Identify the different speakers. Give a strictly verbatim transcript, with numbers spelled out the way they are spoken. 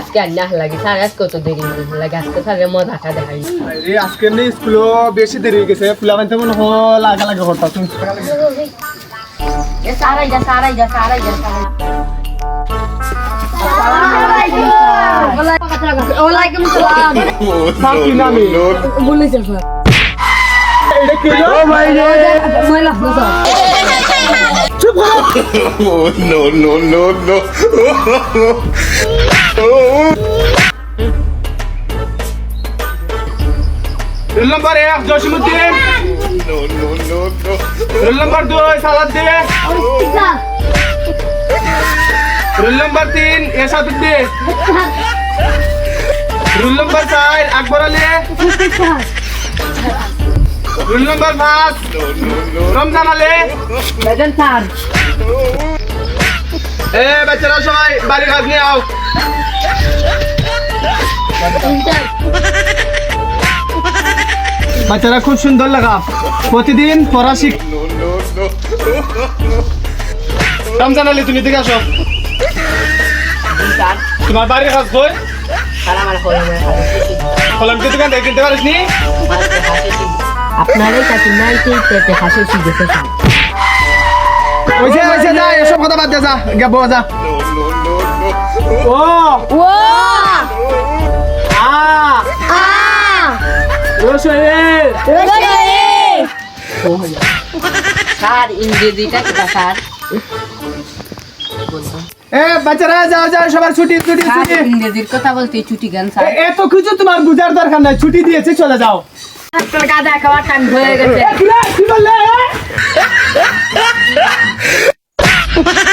Speaker 1: আজকে আর না লাগে স্যার আজকে কত দেরি লাগে আজকে স্যারের মজাটা দেখাই
Speaker 2: আরে আজকে এমনি স্কুলও বেশি দেরি হয়ে গেছে ফুলাবান তেমন হ লাগা লাগা করতা তুমি
Speaker 1: এ সারাই যা সারাই যা সারাই যা ওয়ালাইকুম সালাম
Speaker 2: স্যার কি নামে
Speaker 1: বলেছে স্যার
Speaker 2: এটা কি ও ভাই রে
Speaker 1: ময়লা স্যার
Speaker 2: চুপ করো
Speaker 3: Oh, no, no, no, no.
Speaker 2: Roll number এক Jasimuddin
Speaker 3: No, no, no, no.
Speaker 2: Roll number দুই সালাদ দে রোল নাম্বার তিন এরশাদউদ্দিন রোল নাম্বার চার আকবর আলী রোল নাম্বার পাঁচ রমজান আলী
Speaker 1: বেজন স্যার
Speaker 2: এ বাচ্চারা সবাই বাড়ি কাজ নিয়ে আও বাচ্চারা খুব সুন্দর লাগা প্রতিদিন পড়া শিখ
Speaker 3: No, no, no.
Speaker 2: Ramzan Ali তুমি দিকে আসো
Speaker 1: স্যার
Speaker 2: তোমার বাড়ির কাজ কই
Speaker 1: স্যার আমার হলো
Speaker 2: কলম কি দোকান থেকে কিনতে পারিস নি
Speaker 1: আপনারই কাছে নাই পেতে হাসি শিখেছে স্যার
Speaker 2: ওইসে ওইসে যা এসব কথা বাদ দে যা গে বউ যা
Speaker 3: No, no, no, no.
Speaker 2: ও
Speaker 1: ও
Speaker 2: আ
Speaker 1: আ
Speaker 2: রসয়ে
Speaker 1: স্যার ইংরেজিটা কি স্যার
Speaker 2: এ বাচ্চারা যাও যাও সবার ছুটি ছুটি
Speaker 1: স্যার
Speaker 2: ছুটি
Speaker 1: ইংরেজির কথা বলতে ছুটি গান স্যার
Speaker 2: এ- এত কিছু তোমার বুঝার দরকার নাই ছুটি দিয়েছে চলে যাও
Speaker 1: আজকাল গাঁজা খাওয়ার টাইম হয়ে গেছে
Speaker 2: এ, কি রে? কি বললে এ?